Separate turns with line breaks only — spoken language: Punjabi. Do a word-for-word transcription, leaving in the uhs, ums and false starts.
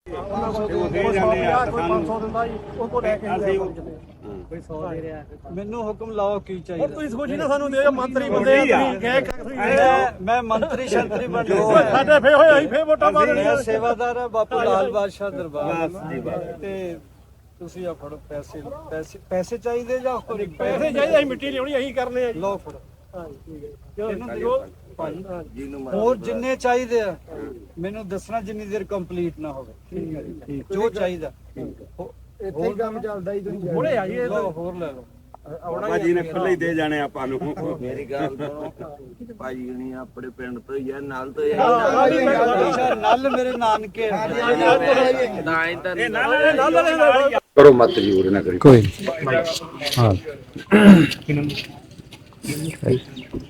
ਮੈਨੂੰ ਹੁਕਮ ਲਾਓ ਕੀ ਚਾਹੀਦਾ।
ਤੁਸੀਂ ਸੋਚੀ ਨਾ ਸਾਨੂੰ ਦੇ ਮੰਤਰੀ ਬੰਦੇ
ਮੈਂ ਮੰਤਰੀ ਸ਼ੰਤਰੀ ਬਣ
ਸਾਡੇ ਫੇ ਹੋਏ ਅਸੀਂ ਫੇ ਵੋਟਾਂ ਪਾ ਦੇਣੀਆਂ।
ਸੇਵਾਦਾਰ ਆ ਬਾਪੂ ਲਾਲ ਬਾਦਸ਼ਾਹ ਦਰਬਾਰ ਤੇ ਤੁਸੀਂ ਆ ਫੜੋ ਪੈਸੇ ਪੈਸੇ ਪੈਸੇ ਚਾਹੀਦੇ ਜਾਂ
ਪੈਸੇ ਚਾਹੀਦੇ ਅਸੀਂ ਮਿੱਟੀ ਲਿਆਉਣੀ ਅਸੀਂ ਕਰਨੇ ਆ ਜੀ।
ਲਓ ਫੜੋ
ਇਹਨੂੰ ਦਿਓ
ਭਾਜੀ ਹੋਰ ਜਿੰਨੇ ਚਾਹੀਦੇ ਆ ਮੈਨੂੰ ਦੱਸਣਾ ਜਿੰਨੀ ਦੇਰ ਕੰਪਲੀਟ ਨਾ ਹੋਵੇ। ਠੀਕ ਹੈ ਜੀ ਜੋ ਚਾਹੀਦਾ
ਇੱਥੇ ਹੀ ਕੰਮ ਚੱਲਦਾ ਹੀ ਤੁਸੀਂ
ਹੁਣੇ ਆ ਜੀ ਇਹ
ਲਓ ਹੋਰ ਲੈ ਲਓ।
ਭਾਜੀ ਨੇ ਖੁੱਲੇ ਹੀ ਦੇ ਜਾਣੇ ਆਪਾਂ ਨੂੰ।
ਮੇਰੀ ਗੱਲ ਸੁਣੋ ਭਾਜੀ ਹੁਣੀ ਆਪਣੇ ਪਿੰਡ ਤੋਂ ਹੀ ਆ ਨਾਲ ਤੋਂ ਹੀ
ਨਲ ਮੇਰੇ ਨਾਨਕੇ
ਨਾ ਹੀ ਤਾਂ
ਕਰੋ ਮਤ ਜੂਰ ਨਾ ਕਰੀ
ਕੋਈ ਹਾਂ